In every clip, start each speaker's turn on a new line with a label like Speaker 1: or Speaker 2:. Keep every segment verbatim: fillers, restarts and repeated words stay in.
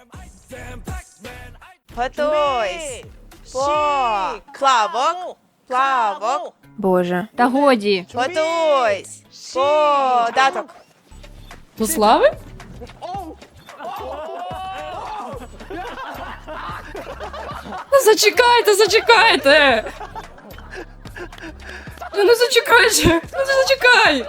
Speaker 1: Готуйсь. По. Плавок. Плавок.
Speaker 2: Боже. Та годі.
Speaker 1: Готуйсь. Податок.
Speaker 3: До слави? Ну зачекайте, зачекайте! Ну не зачекайте! Ну не зачекай!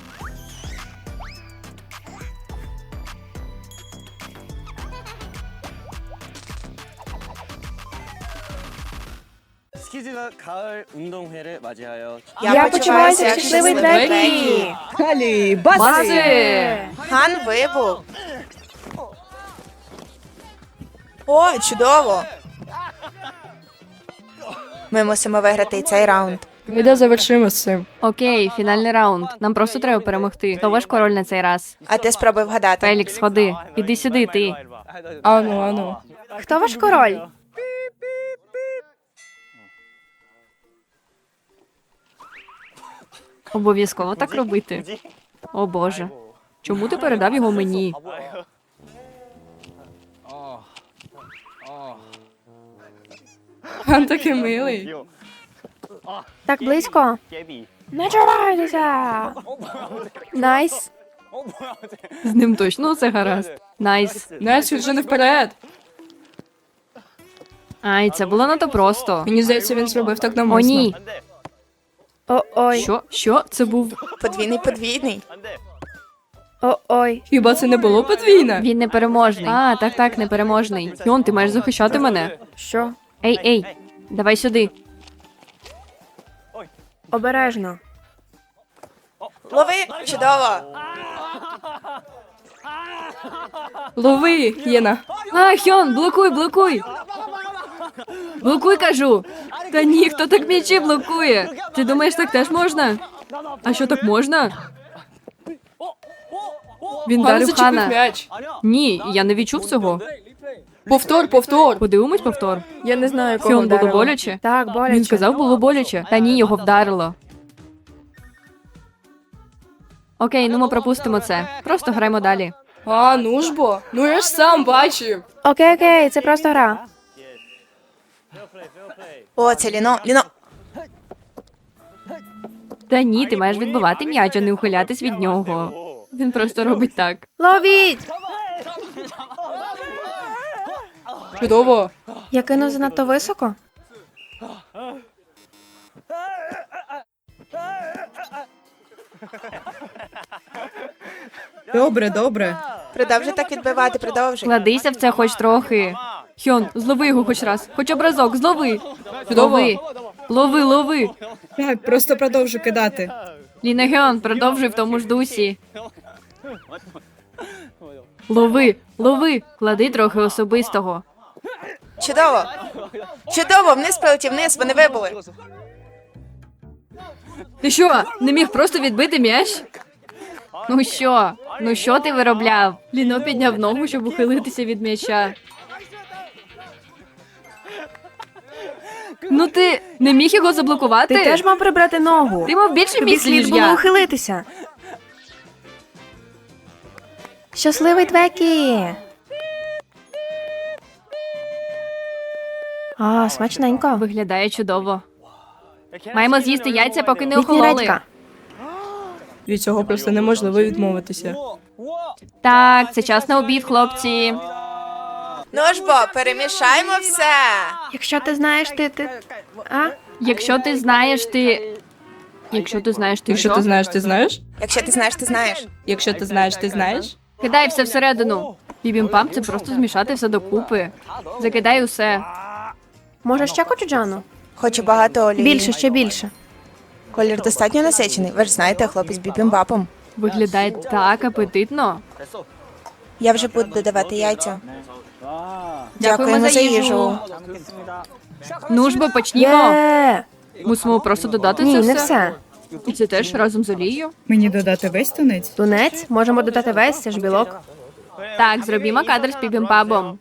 Speaker 4: 스키즈가 가을 운동회를 맞이하여
Speaker 1: Я почуваюся як щасливий Бекі.
Speaker 2: Бази!
Speaker 3: Бази!
Speaker 1: Ган вибух. О, чудово. Ми мусимо виграти і цей раунд.
Speaker 3: Ми завершимо з цим.
Speaker 2: Окей, фінальний раунд. Нам просто треба перемогти. Хто ваш король на цей раз?
Speaker 1: А ти спробуй вгадати.
Speaker 2: Фелікс, ходи. Іди сюди, ти.
Speaker 3: Ану, ану.
Speaker 2: Хто ваш король? Обов'язково так робити. О боже. Чому ти передав його мені?
Speaker 3: Він такий милий.
Speaker 2: Так близько.
Speaker 4: 깨비
Speaker 2: Не чувайтеся. Найс. З ним точно все гаразд. Найс.
Speaker 3: Найс, він вже не вперед.
Speaker 2: Ай, це було надто просто.
Speaker 3: Мені здається, він зробив так
Speaker 2: О,
Speaker 3: навмисно.
Speaker 2: ні.
Speaker 5: О-ой,
Speaker 2: Що? Що? Це був...
Speaker 1: Подвійний подвійний.
Speaker 5: о-ой.
Speaker 3: Хіба це не було подвійне?
Speaker 2: Він непереможний. А, так, так, непереможний. Йон, ти маєш захищати мене.
Speaker 5: Що?
Speaker 2: Ей, ей, давай сюди.
Speaker 5: Обережно.
Speaker 1: Лови. Чудово.
Speaker 3: Лови, Єна.
Speaker 2: А, Хьон, блокуй, блокуй. Блокуй, кажу. Та ні, хто так м'ячі блокує? Ти думаєш, так теж можна? А що, так можна? Він
Speaker 3: Гана
Speaker 2: дарив
Speaker 3: зачепив
Speaker 2: Хана.
Speaker 3: м'яч.
Speaker 2: Ні, я не відчув цього.
Speaker 3: Повтор, повтор.
Speaker 2: Подивимось повтор.
Speaker 5: Я не знаю, кого
Speaker 2: Хьон, було
Speaker 5: вдарило.
Speaker 2: боляче?
Speaker 5: Так, боляче.
Speaker 2: Він сказав, було боляче. Та ні, його вдарило. Окей, ну ми пропустимо це. Просто граємо далі.
Speaker 3: А, ну ж бо. Ну я ж сам бачив.
Speaker 5: Окей, окей, це просто гра.
Speaker 1: О, це Ліно. Ліно.
Speaker 2: Та ні, ти маєш відбивати м'яч, а не ухилятись від нього. Він просто робить так.
Speaker 5: Ловіть!
Speaker 3: Чудово.
Speaker 5: Я кинув занадто високо.
Speaker 6: Добре, добре.
Speaker 1: Продовжуй так відбивати, продовжуй.
Speaker 2: Кладися в це хоч трохи. Хьон, злови його хоч раз. Хоч об разок, злови.
Speaker 3: Чудово.
Speaker 2: Лови. Лови, лови.
Speaker 6: Так, просто продовжу кидати.
Speaker 2: Ліна Хьон, продовжуй в тому ж дусі. Лови, лови. Клади трохи особистого.
Speaker 1: Чудово. Чудово, вниз полетів, вниз, вони вибули.
Speaker 2: Ти що, не міг просто відбити м'яч? Ну що? Ну що ти виробляв? Ліно підняв ногу, щоб ухилитися від м'яча. Ну ти не міг його заблокувати?
Speaker 5: Ти теж мав прибрати ногу.
Speaker 2: Ти мав більше
Speaker 5: Тобі
Speaker 2: місць, ніж
Speaker 5: слід було
Speaker 2: я.
Speaker 5: ухилитися. Щасливий Твекі! А, смачненько.
Speaker 2: Виглядає чудово. Маємо з'їсти яйця, поки не
Speaker 5: Літня
Speaker 2: охололи.
Speaker 5: редька.
Speaker 3: Від цього просто неможливо відмовитися.
Speaker 2: Так, це час на обід, хлопці.
Speaker 1: Ну ж бо, перемішаймо все.
Speaker 5: Якщо ти знаєш, ти... ти... А?
Speaker 2: Якщо ти знаєш, ти... Якщо ти знаєш, ти
Speaker 3: Якщо
Speaker 2: що?
Speaker 3: ти знаєш, ти знаєш?
Speaker 1: Якщо ти знаєш, ти знаєш.
Speaker 3: Якщо ти знаєш, ти знаєш?
Speaker 2: Кидай все всередину. Бібімпам – це просто змішати все докупи. Закидай усе.
Speaker 5: Може ще кочуджану?
Speaker 1: Хочу багато олії.
Speaker 5: Більше, ще більше.
Speaker 1: Колір достатньо насичений. Ви ж знаєте, хлопець з бібімбапом.
Speaker 2: Виглядає так апетитно.
Speaker 1: Я вже буду додавати яйця.
Speaker 2: Дякуємо
Speaker 1: Дякуємо
Speaker 2: за
Speaker 1: за
Speaker 2: їжу.
Speaker 1: їжу.
Speaker 2: Ну ж бо почнімо.
Speaker 5: Є!
Speaker 2: Мусимо просто додати
Speaker 5: Ні,
Speaker 2: це
Speaker 5: не
Speaker 2: все.
Speaker 5: все.
Speaker 2: І це теж разом з олією.
Speaker 6: Мені додати весь тунець?
Speaker 5: Тунець? Можемо додати весь, це ж білок.
Speaker 2: Так, зробімо кадр з бібімпабом.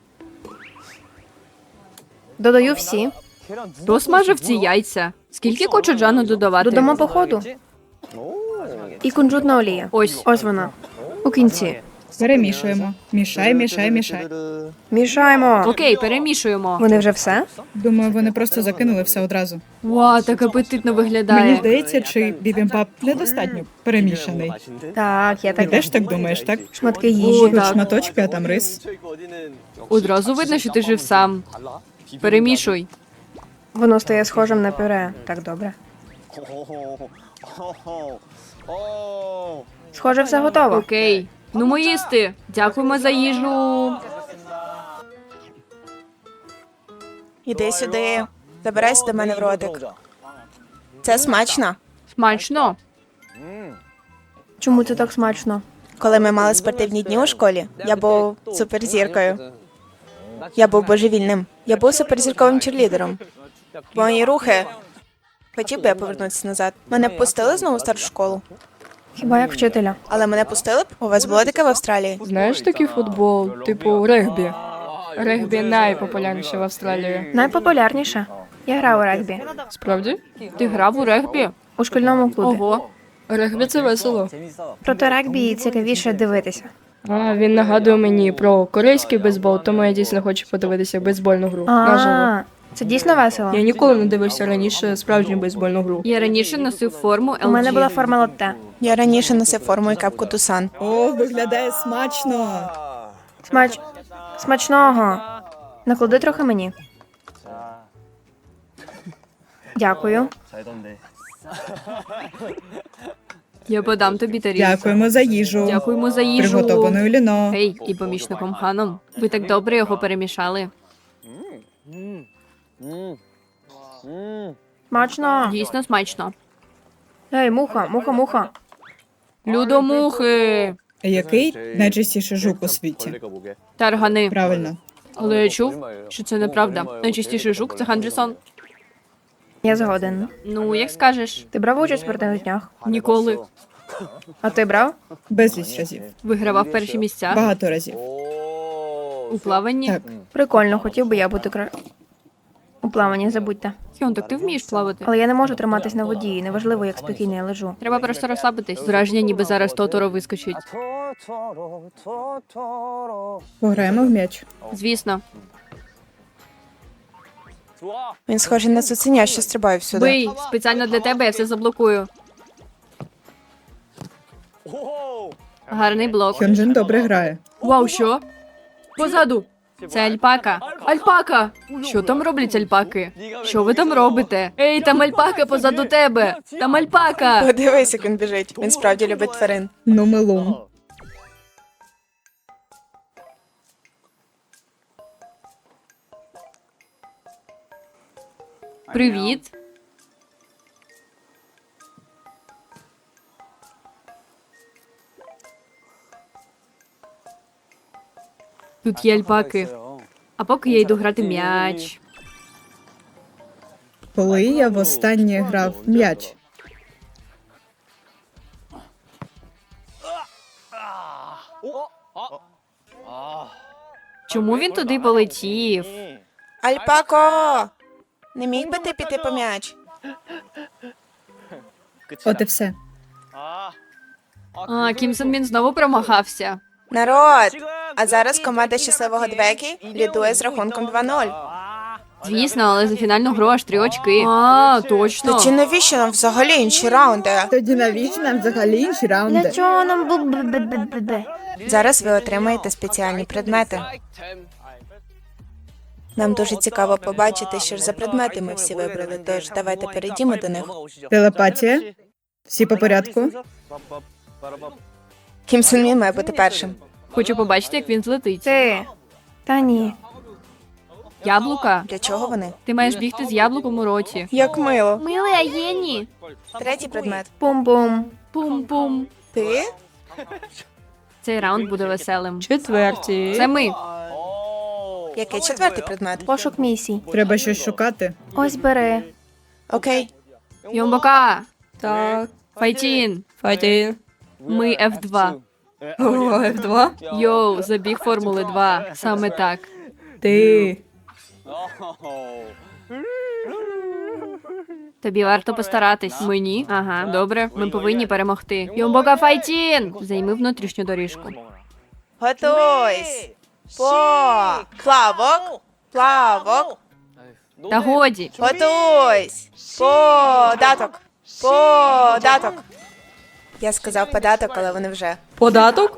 Speaker 5: Додаю всі.
Speaker 2: Хто смажив ці яйця? Скільки кочуджану додавати?
Speaker 5: Додамо по ходу. І кунжутна олія.
Speaker 2: Ось.
Speaker 5: Ось вона. У кінці.
Speaker 6: Перемішуємо. Мішай, мішай, мішай.
Speaker 5: Мішаємо.
Speaker 2: Окей, перемішуємо.
Speaker 5: Вони вже все?
Speaker 6: Думаю, вони просто закинули все одразу.
Speaker 2: Вау, так апетитно
Speaker 6: Мені
Speaker 2: виглядає.
Speaker 6: здається, чи бібімбап недостатньо перемішаний.
Speaker 5: Так, я
Speaker 6: Ти
Speaker 5: так.
Speaker 6: теж так думаєш, так?
Speaker 5: Шматки
Speaker 2: О,
Speaker 5: їжі.
Speaker 6: Тут
Speaker 2: так.
Speaker 6: шматочки, а там рис.
Speaker 2: Одразу видно, що ти жив сам. Перемішуй.
Speaker 5: Воно стає схожим на пюре. Так добре. Схоже, все готово.
Speaker 2: Окей. Ну, ми їсти. Дякуємо за їжу.
Speaker 1: Іди сюди. Забирайся до мене в ротик. Це смачно.
Speaker 2: Смачно.
Speaker 5: Чому це так смачно?
Speaker 1: Коли ми мали спортивні дні у школі, я був суперзіркою. Я був божевільним. Я був суперзірковим черлідером. Мої рухи. Хотів би я повернутися назад. Мене б пустили знову в старшу школу.
Speaker 5: Хіба як вчителя?
Speaker 1: Але мене пустили б? У вас було таке в Австралії?
Speaker 3: Знаєш такий футбол, типу регбі? Регбі найпопулярніше в Австралії.
Speaker 5: Найпопулярніше. Я грав у регбі.
Speaker 3: Справді?
Speaker 2: Ти грав у регбі?
Speaker 5: У шкільному клубі.
Speaker 2: Ого.
Speaker 3: Регбі це весело.
Speaker 5: Проте регбі цікавіше дивитися.
Speaker 3: А, він нагадує мені про корейський бейсбол, тому я дійсно хочу подивитися бейсбольну гру. Наживо.
Speaker 5: А, це дійсно весело.
Speaker 3: Я ніколи не дивився раніше справжню бейсбольну гру.
Speaker 2: Я раніше носив форму ел джі.
Speaker 5: У мене була форма латте.
Speaker 1: Я раніше носив форму і капку Тусан.
Speaker 6: О, виглядає смачно.
Speaker 5: Смач... Смачного. Наклади трохи мені. Дякую.
Speaker 2: Я подам тобі тарілку.
Speaker 6: Дякуємо за їжу.
Speaker 2: Дякуємо за їжу.
Speaker 6: Приготованою ліно.
Speaker 2: Гей, і помічником Ханом. Ви так добре його перемішали.
Speaker 5: Смачно.
Speaker 2: Дійсно смачно.
Speaker 5: Ей, муха, муха, муха.
Speaker 2: Людомухи.
Speaker 6: Який найчастіший жук у світі?
Speaker 2: Таргани.
Speaker 6: Правильно.
Speaker 2: Але я чув, що це неправда. Найчастіший жук це Хандрісон.
Speaker 5: Я згоден.
Speaker 2: Ну, як скажеш.
Speaker 5: Ти брав участь в спортивних днях?
Speaker 2: Ніколи.
Speaker 5: А ти брав?
Speaker 6: Безліч разів.
Speaker 2: Вигравав перші місця
Speaker 6: Багато разів.
Speaker 2: у плаванні.
Speaker 6: Так.
Speaker 5: Прикольно, хотів би я бути кра... У плаванні, забудьте.
Speaker 2: Хьон, так ти вмієш плавати?
Speaker 5: Але я не можу триматись на воді, неважливо, як спокійно я лежу.
Speaker 2: Треба просто розслабитись. Враження, ніби зараз Тоторо вискочить.
Speaker 6: Пограємо в м'яч.
Speaker 2: Звісно.
Speaker 1: Він схожий на цуценя, що стрибає всюди.
Speaker 2: Бий, спеціально для тебе я все заблокую. Гарний блок.
Speaker 6: Хьонджин добре грає.
Speaker 2: Вау, що? Позаду. Це альпака. Альпака! Що там роблять альпаки? Що ви там робите? Ей, там альпака позаду тебе! Там альпака!
Speaker 1: Подивись, як він біжить. Він справді любить тварин.
Speaker 6: Ну, милун.
Speaker 2: Привіт. Тут є альпаки. А поки я йду грати м'яч.
Speaker 6: Коли я востаннє грав в м'яч?
Speaker 2: Чому він туди полетів?
Speaker 1: Альпако! Не міг би ти піти по м'яч?
Speaker 6: От і все.
Speaker 2: А, Кім Сон Мін знову промахався.
Speaker 1: Народ! А зараз команда щасливого Двекі лідує з рахунком два нуль.
Speaker 2: Звісно, але за фінальну гру аж три очки. А, точно.
Speaker 1: Тоді навіщо нам взагалі інші раунди?
Speaker 6: Тоді навіщо нам взагалі інші
Speaker 5: Для
Speaker 6: раунди?
Speaker 5: чого нам бу б б б б б
Speaker 1: Зараз ви отримаєте спеціальні предмети. Нам дуже цікаво побачити, що ж за предмети ми всі вибрали, тож давайте перейдімо до них.
Speaker 6: Телепатія? Всі по порядку?
Speaker 1: Кім Сон Мін має бути першим.
Speaker 2: Хочу побачити, як він злетить.
Speaker 5: Ти. Та ні.
Speaker 2: Яблука?
Speaker 1: Для чого вони?
Speaker 2: Ти маєш бігти з яблуком у роті.
Speaker 1: Як мило.
Speaker 2: Милий Аєні.
Speaker 1: Третій предмет.
Speaker 5: Пум-пум.
Speaker 2: Пум-пум.
Speaker 1: Ти?
Speaker 2: Цей раунд буде веселим.
Speaker 3: Четверті.
Speaker 2: Це ми.
Speaker 1: Який четвертий предмет?
Speaker 5: Пошук місій.
Speaker 6: Треба щось шукати.
Speaker 5: Ось бери.
Speaker 1: Окей.
Speaker 2: Йомбока.
Speaker 3: Так.
Speaker 2: Файтін.
Speaker 3: Файтін.
Speaker 2: Ми еф два.
Speaker 3: О, еф два?
Speaker 2: Йоу, забіг Формули два. Саме так.
Speaker 3: Ти.
Speaker 2: Тобі варто постаратись. Мені? Ага, добре. Ми повинні перемогти. Йомбока Файтін! Займи внутрішню доріжку.
Speaker 1: Готуйсь. По. Плавок. Плавок.
Speaker 2: Та годі.
Speaker 1: Готуйсь. Податок. Податок. Я сказав податок, але вони вже.
Speaker 3: Податок?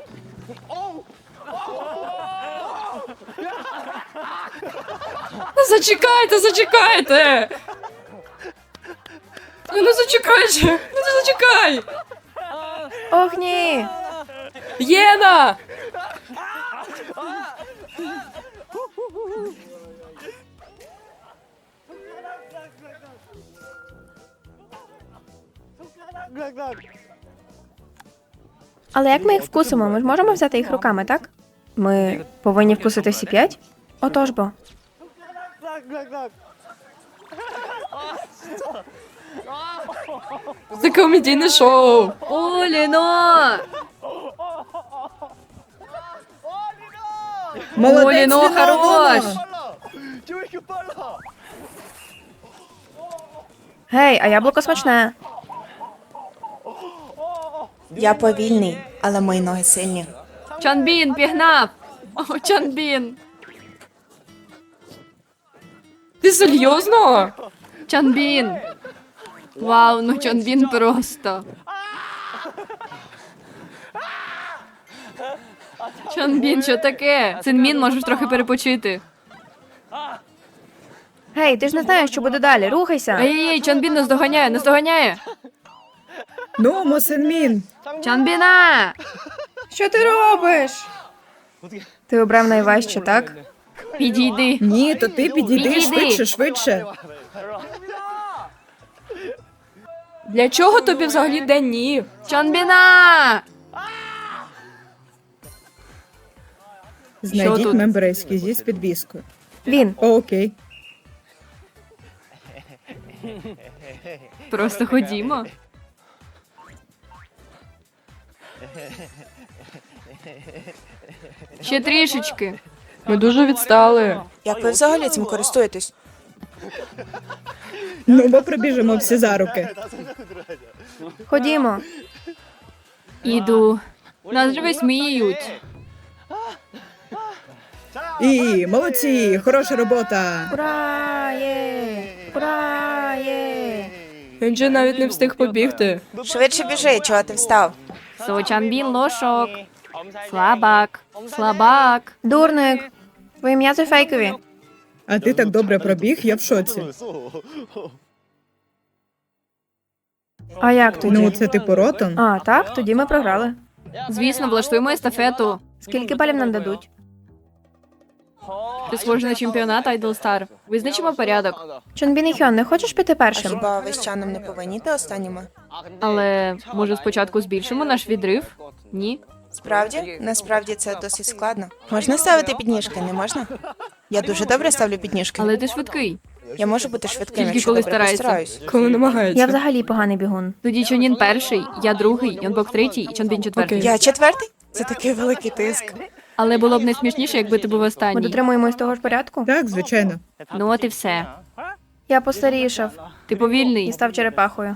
Speaker 3: Ну, зачекайте, зачекайте! Ну, ну зачекайте! Ну, ну зачекай!
Speaker 5: Ох, ні!
Speaker 3: Єна!
Speaker 5: Але як ми їх вкусимо? Ми ж можемо взяти їх руками, так? Ми повинні вкусити всі п'ять? Отож бо.
Speaker 3: Це комедійне шоу!
Speaker 2: Оліно!
Speaker 6: Молодець,
Speaker 2: Оліно,
Speaker 6: Ліно,
Speaker 2: хорош!
Speaker 6: Ліно.
Speaker 5: Гей, а яблуко смачне.
Speaker 1: Я повільний, але мої ноги сильні.
Speaker 2: Чанбін пігнав! О, Чанбін!
Speaker 3: Ти серйозно?
Speaker 2: Чанбін! Вау, ну Чанбін просто. Чанбін, що таке? Цинмін, можеш трохи перепочити.
Speaker 5: Гей, ти ж не знаєш, що буде далі. Рухайся.
Speaker 2: Ей-ей, Чанбін нас доганяє, нас доганяє!
Speaker 6: Ну, Мосинмін.
Speaker 2: Чанбіна!
Speaker 5: Що ти робиш? Ти обрав найважче, так?
Speaker 2: Підійди.
Speaker 6: Ні, то ти підійди
Speaker 2: Підійди.
Speaker 6: швидше, швидше.
Speaker 3: Для чого тобі взагалі день ні?
Speaker 2: Чанбіна!
Speaker 6: Знайдіть
Speaker 2: тут?
Speaker 6: мембрейський зі з підвіскою.
Speaker 5: Він.
Speaker 6: О, окей.
Speaker 2: Просто ходімо. Ще трішечки.
Speaker 3: Ми дуже відстали.
Speaker 1: Як ви взагалі цим користуєтесь?
Speaker 6: Ну, бо прибіжимо всі за руки.
Speaker 5: Ходімо.
Speaker 2: Іду. Нас же висміють.
Speaker 6: І молодці, хороша робота.
Speaker 5: Ура! Є! Ура! Є!
Speaker 3: Він же навіть не встиг побігти.
Speaker 1: Швидше біжи, чого ти встав?
Speaker 2: Со Чанбін лошок. Слабак. Слабак.
Speaker 5: Дурник. Твої м'язи фейкові.
Speaker 6: А ти так добре пробіг, я в шоці.
Speaker 5: А як тоді?
Speaker 6: Ну, це типу ротон.
Speaker 5: А, так? Тоді ми програли.
Speaker 2: Звісно, влаштуємо естафету.
Speaker 5: Скільки балів нам дадуть?
Speaker 2: Ти схожий на чемпіонат Idol Star. Визначимо порядок.
Speaker 5: Чонбін і Хьон, не хочеш піти
Speaker 1: А
Speaker 5: першим?
Speaker 1: хіба ви з Чаном не повинні йти останніми?
Speaker 2: Але може спочатку збільшимо наш відрив? Ні?
Speaker 1: Справді? Насправді це досить складно. Можна ставити підніжки, не можна? Я дуже добре ставлю підніжки.
Speaker 2: Але ти швидкий.
Speaker 1: Я можу бути швидким,
Speaker 2: Тільки
Speaker 1: якщо
Speaker 2: коли
Speaker 1: добре
Speaker 2: стараєшся.
Speaker 1: постараюсь.
Speaker 3: Коли намагається.
Speaker 5: Я взагалі поганий бігун.
Speaker 2: Тоді Чонін перший, я другий, Йонбок третій і Чонбін четвертий.
Speaker 3: Окей.
Speaker 1: Я четвертий? Це такий великий тиск.
Speaker 2: Але було б найсмішніше, якби ти був
Speaker 5: Ми
Speaker 2: останній.
Speaker 5: дотримуємось того ж порядку?
Speaker 6: Так, звичайно.
Speaker 2: Ну от і все.
Speaker 5: Я постарішав
Speaker 2: Ти повільний.
Speaker 5: і став черепахою.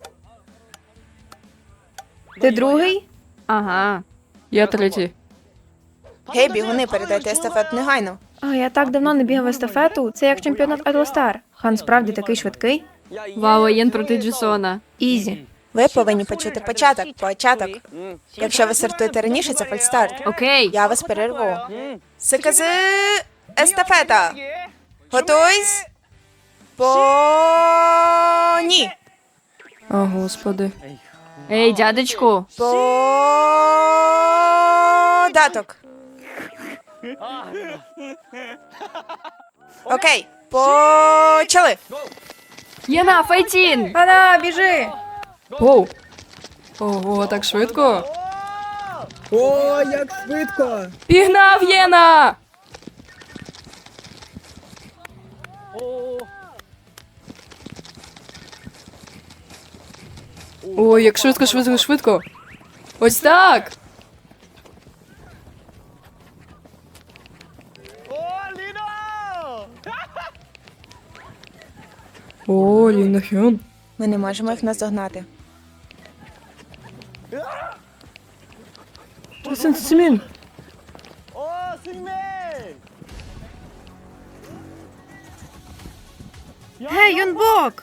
Speaker 5: Ти другий?
Speaker 2: Ага.
Speaker 3: Я третій.
Speaker 1: Гей, бігуни, передайте естафету негайно.
Speaker 5: А, я так давно не бігав естафету. Це як чемпіонат Idol Star. Хан справді такий швидкий.
Speaker 2: Вау, Єн проти Джесона.
Speaker 5: Ізі.
Speaker 1: Ви повинні почути початок, початок. Якщо ви стартуєте раніше, це фальстарт.
Speaker 2: Окей.
Speaker 1: Я вас перерву. СКЗ естафета. Готуйсь. По ні.
Speaker 3: О, господи.
Speaker 2: Ей, дядечку.
Speaker 1: Податок. Окей, почали.
Speaker 2: Єна, файтін!
Speaker 5: Ана, біжи!
Speaker 3: Оу. Ого, так швидко.
Speaker 6: О, як швидко!
Speaker 3: Пігнав Єна! Ой, як швидко, швидко, швидко. Ось так. О, Ліна Хьон.
Speaker 1: Ми не можемо їх наздогнати.
Speaker 3: Сенсімін.
Speaker 5: Гей, Юнбок!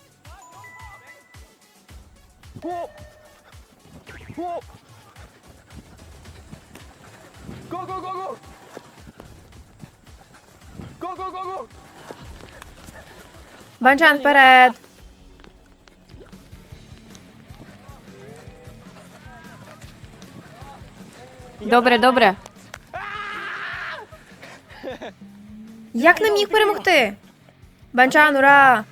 Speaker 5: Банчан вперед!
Speaker 2: Добре, добре.
Speaker 5: Як нам їх перемогти? Банчан, ура!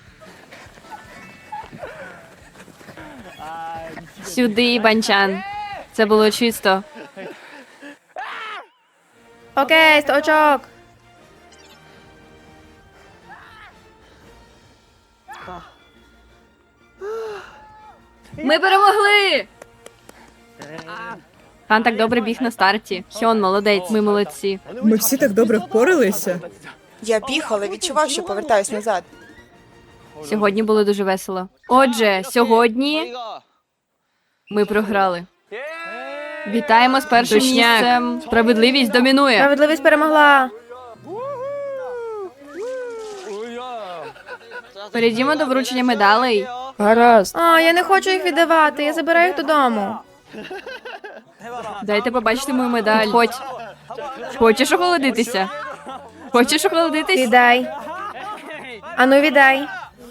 Speaker 2: Сюди, банчан. Це було чисто.
Speaker 5: Окей, сто очок!
Speaker 2: Ми перемогли! Хан так добре біг на старті. Хьон, молодець, ми молодці.
Speaker 6: Ми всі так добре впоралися.
Speaker 1: Я біг, але відчував, що повертаюсь назад.
Speaker 2: Сьогодні було дуже весело. Отже, сьогодні ми програли. Вітаємо з першим місцем. Справедливість домінує.
Speaker 5: Справедливість перемогла!
Speaker 2: Перейдімо до вручення медалей.
Speaker 3: Гаразд.
Speaker 5: А, я не хочу їх віддавати, я забираю їх додому.
Speaker 2: Дайте побачити мою медаль. Ходь. Хочеш охолодитися? Хочеш охолодитись?
Speaker 5: Віддай. Ану, віддай.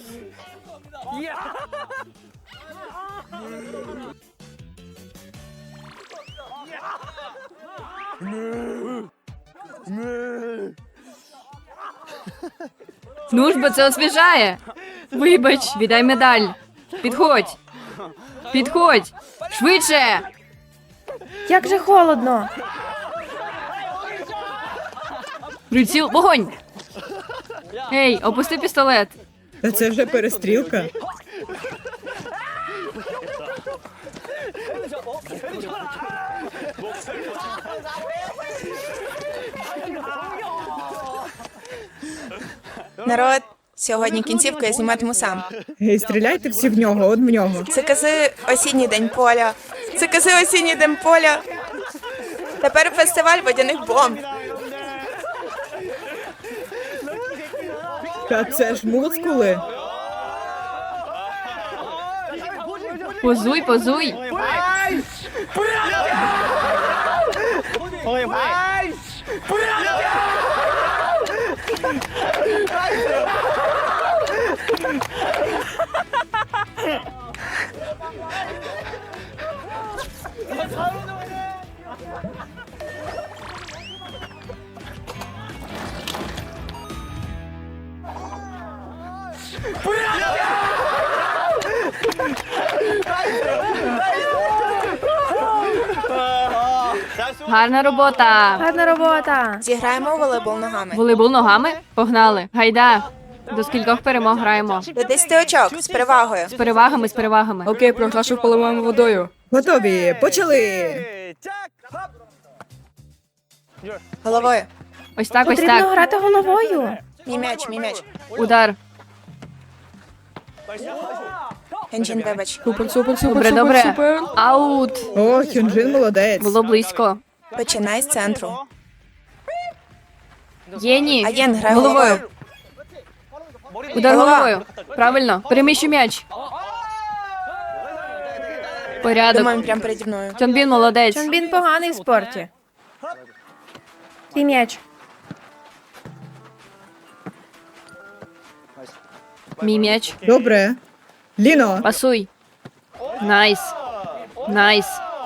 Speaker 2: Ну ж, бо це освіжає. Вибач, віддай медаль. Підходь. Підходь. Швидше.
Speaker 5: Як же холодно.
Speaker 2: Приціл, вогонь. Ей, опусти пістолет.
Speaker 6: Та це вже перестрілка.
Speaker 1: Народ, сьогодні кінцівку я зніматиму сам.
Speaker 6: Гей, стріляйте всі в нього, от в нього.
Speaker 1: Це кази осінній день поля. Це кази осінній день поля. Тепер фестиваль водяних бомб.
Speaker 6: Та це ж мускули.
Speaker 2: Позуй, позуй. Гарна робота.
Speaker 5: Гарна робота.
Speaker 1: Зіграємо у волейбол ногами.
Speaker 2: Волейбол ногами? Погнали. Гайда. До скількох перемог граємо?
Speaker 1: До десяти очок з перевагою.
Speaker 2: З перевагами, з перевагами.
Speaker 3: Окей, проглашу поливаємо водою.
Speaker 6: Готові, почали!
Speaker 1: Головою.
Speaker 2: Ось так, ось
Speaker 5: Потрібно
Speaker 2: так.
Speaker 5: грати головою.
Speaker 1: Мій м'яч, мій м'яч.
Speaker 2: Удар.
Speaker 1: Хенджін, вибач.
Speaker 3: Супер, супер, супер,
Speaker 2: Добре,
Speaker 3: супер,
Speaker 2: добре.
Speaker 3: супер.
Speaker 2: Аут.
Speaker 6: О, Хюнджин молодець.
Speaker 2: Було близько.
Speaker 1: Починай з центру.
Speaker 2: Єні.
Speaker 1: Аєн, грай
Speaker 2: Головою.
Speaker 1: головою.
Speaker 2: Удар
Speaker 1: Голова.
Speaker 2: головою. Правильно. Переміщу м'яч. Порядок.
Speaker 1: Думаю, прямо переді мною.
Speaker 2: Чонбін молодець.
Speaker 5: Чонбін поганий в спорті. Твій м'яч.
Speaker 2: Мій м'яч.
Speaker 6: Добре. Ліно,
Speaker 2: Пасуй. Найс. Найс.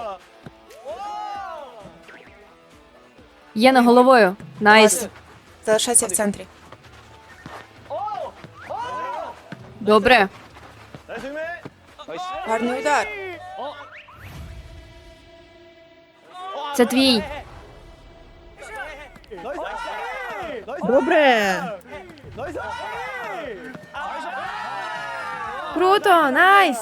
Speaker 2: Єна головою. Найс.
Speaker 1: Клас. Залишайся в центрі.
Speaker 2: Добре.
Speaker 1: Гарний удар.
Speaker 2: Це твій.
Speaker 6: добре.
Speaker 5: Круто, найс.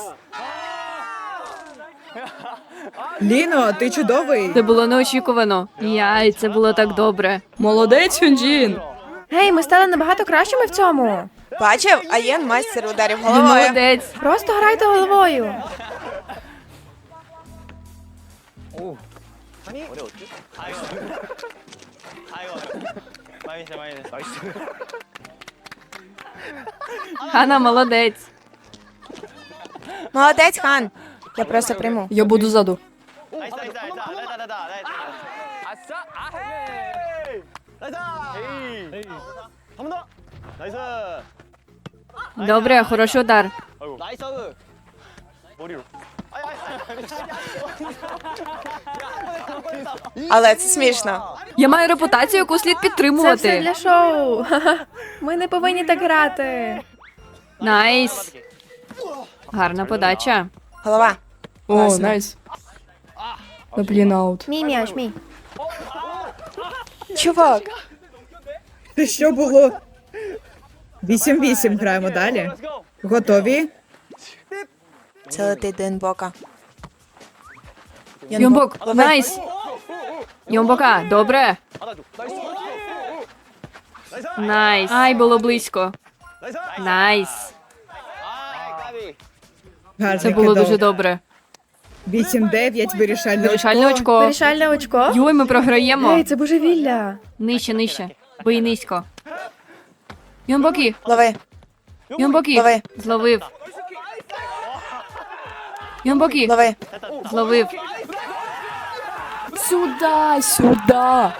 Speaker 6: Ліно, ти чудовий.
Speaker 2: Це було неочікувано. Яй, це було так добре.
Speaker 3: Молодець, Хюнджін.
Speaker 5: Гей, ми стали набагато кращими в цьому.
Speaker 1: Бачив? Аєн майстер ударів
Speaker 2: Ти
Speaker 1: головою.
Speaker 2: молодець.
Speaker 5: Просто грайте головою.
Speaker 2: Хана молодець.
Speaker 1: Молодець, хан. Я просто прийму.
Speaker 3: Я буду ззаду.
Speaker 2: Добре, хороший удар.
Speaker 1: Але це смішно.
Speaker 2: Я маю репутацію, яку слід
Speaker 5: Це все
Speaker 2: підтримувати.
Speaker 5: для шоу. Ха-ха. Ми не повинні так грати.
Speaker 2: Найс. Гарна подача.
Speaker 1: Голова.
Speaker 3: О,
Speaker 1: Класно.
Speaker 3: найс. На блін аут.
Speaker 5: Мій м'яч, мій.
Speaker 1: Чувак.
Speaker 6: Це що було? Вісім-вісім граємо далі. Готові?
Speaker 1: Це летить до інбока.
Speaker 2: Йомбок,
Speaker 1: Лови.
Speaker 2: найс. Йомбока, добре. Найс. Ай, було близько. Найс.
Speaker 6: Гарний
Speaker 2: Це було
Speaker 6: кидок.
Speaker 2: дуже добре.
Speaker 6: вісім-дев'ять, вирішальне
Speaker 2: Вирішальне
Speaker 6: очко.
Speaker 2: очко.
Speaker 5: Вирішальне очко.
Speaker 2: Йой, ми програємо.
Speaker 5: Ей, це божевілля.
Speaker 2: Нижче, нижче. Бий низько. Йомбоки,
Speaker 1: Лови.
Speaker 2: Йомбоки.
Speaker 1: Лови.
Speaker 2: Зловив. Йомбоки.
Speaker 1: Лови.
Speaker 2: Зловив.
Speaker 3: Сюда, сюда.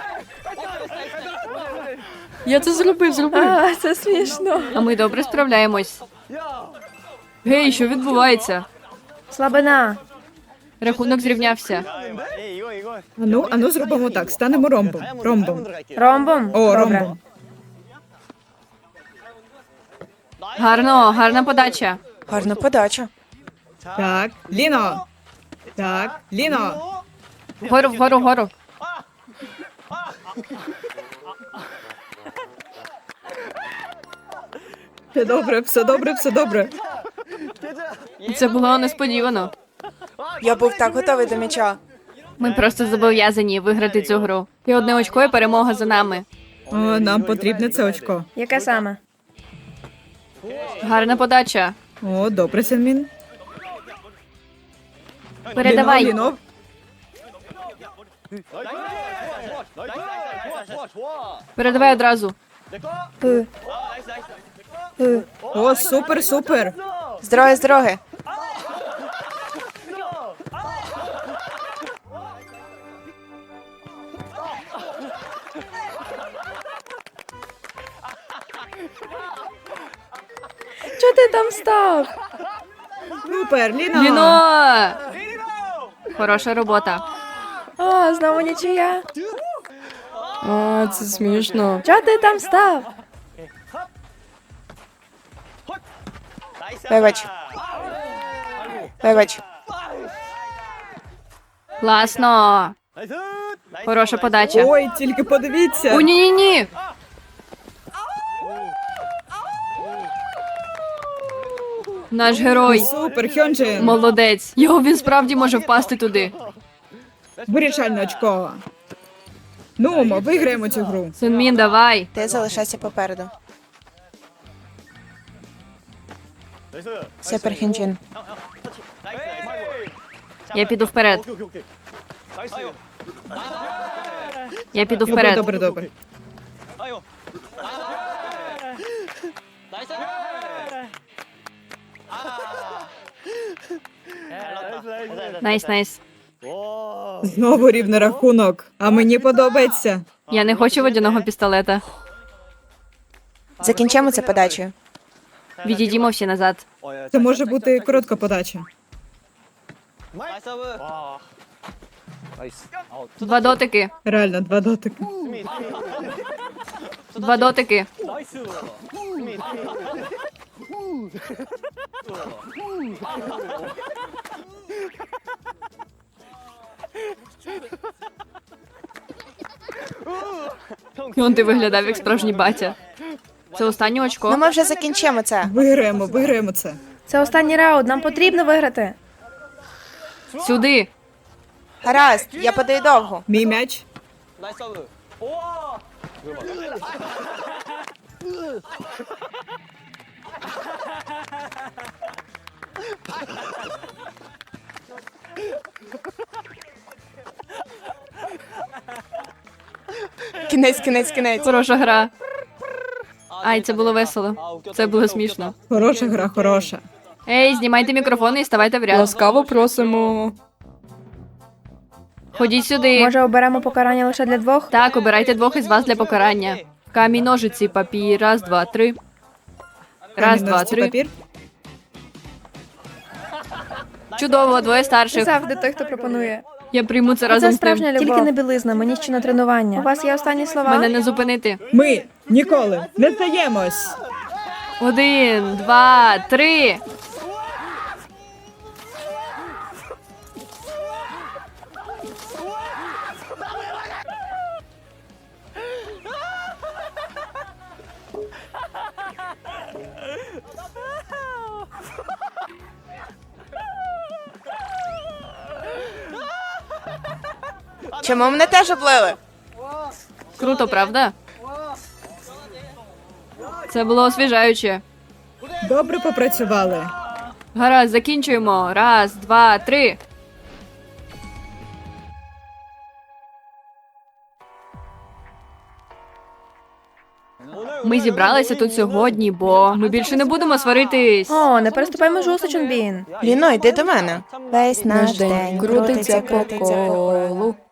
Speaker 3: Я це зробив, зробив.
Speaker 5: А, це смішно.
Speaker 2: А ми добре справляємось. Гей, що відбувається?
Speaker 5: Слабина.
Speaker 2: Рахунок зрівнявся.
Speaker 6: Ану, ану, зробимо так. Станемо ромбом. Ромбом.
Speaker 5: Ромбом?
Speaker 6: О,
Speaker 5: Добре.
Speaker 6: ромбом.
Speaker 2: Гарно, гарна подача.
Speaker 1: Гарна подача.
Speaker 6: Так, Ліно. Так, Ліно.
Speaker 2: Вгору, вгору, вгору.
Speaker 6: Все добре, все добре, все добре.
Speaker 2: Це було несподівано.
Speaker 1: Я був так готовий до м'яча.
Speaker 2: Ми просто зобов'язані виграти цю гру. І одне очко і перемога за нами.
Speaker 6: О, нам потрібне це очко.
Speaker 5: Яке саме?
Speaker 2: Гарна подача.
Speaker 6: О, добре, Сенмін.
Speaker 2: Передавай.
Speaker 6: Ліно,
Speaker 2: Передавай одразу.
Speaker 5: Пи. Пи.
Speaker 6: Ліно. О, супер, супер.
Speaker 1: З дороги, з дороги.
Speaker 5: Чого ти там став?
Speaker 6: Супер, Ліно.
Speaker 2: Ліно! Хороша робота.
Speaker 5: О, знову нічия.
Speaker 3: А, це смішно.
Speaker 5: Чого ти там став?
Speaker 1: Вибач. Вибач.
Speaker 2: Класно. Хороша подача.
Speaker 6: Ой, тільки подивіться.
Speaker 2: О, ні-ні-ні. Наш герой.
Speaker 6: Супер, Хьонджин.
Speaker 2: Молодець. Його він справді може впасти туди.
Speaker 6: Вирішальне очко. Ну, ми виграємо цю гру.
Speaker 2: Сунмін, давай.
Speaker 1: Ти залишайся попереду. Супер Хінджин.
Speaker 2: Я піду вперед. Я піду
Speaker 6: Добре,
Speaker 2: вперед.
Speaker 6: добре, добре.
Speaker 2: Найс, найс.
Speaker 6: Знову рівний рахунок. А мені подобається.
Speaker 2: Я не хочу водяного пістолета.
Speaker 1: Закінчимо це подачею.
Speaker 2: Відійдімо всі назад.
Speaker 6: Це може бути коротка подача.
Speaker 2: Два дотики.
Speaker 6: Реально, два дотики.
Speaker 2: Два дотики. І он ти виглядав як справжній батя. Це останнє
Speaker 1: Ну
Speaker 2: очко.
Speaker 1: ми вже закінчимо це.
Speaker 6: Виграємо, виграємо це.
Speaker 5: Це останній раунд, нам потрібно виграти.
Speaker 2: Сюди.
Speaker 1: Гаразд, я подаю довгу.
Speaker 6: Мій м'яч.
Speaker 1: Кінець, кінець, кінець.
Speaker 2: Хороша гра. Ай, це було весело. Це було смішно.
Speaker 6: Хороша гра, хороша.
Speaker 2: Ей, знімайте мікрофони і ставайте в ряд.
Speaker 3: Ласкаво просимо.
Speaker 2: Ходіть сюди.
Speaker 5: Може, оберемо покарання лише для двох?
Speaker 2: Так, обирайте двох із вас для покарання. Камінь, ножиці, папір. Раз, два, три. Раз,
Speaker 6: Камінь,
Speaker 2: два,
Speaker 6: ножиці,
Speaker 2: три.
Speaker 6: папір.
Speaker 2: Чудово, двоє
Speaker 5: Ти
Speaker 2: старших.
Speaker 5: завжди той, хто пропонує.
Speaker 2: Я прийму це
Speaker 5: Це
Speaker 2: разом з
Speaker 5: справжня
Speaker 2: тим.
Speaker 5: любов. Тільки не білизна, мені ще на тренування. У вас є останні слова?
Speaker 2: Мене не зупинити.
Speaker 6: Ми ніколи не здаємось.
Speaker 2: Один, два, три.
Speaker 1: Чому мене теж облили?
Speaker 2: Круто, правда? Це було освіжаюче.
Speaker 6: Добре попрацювали.
Speaker 2: Гаразд, закінчуємо. Раз, два, три. Ми зібралися тут сьогодні, бо ми більше не будемо сваритись.
Speaker 5: О, не переступай межу, Сочунбін.
Speaker 1: Ліно, йди до мене. Весь
Speaker 3: Наш день крутиться по колу.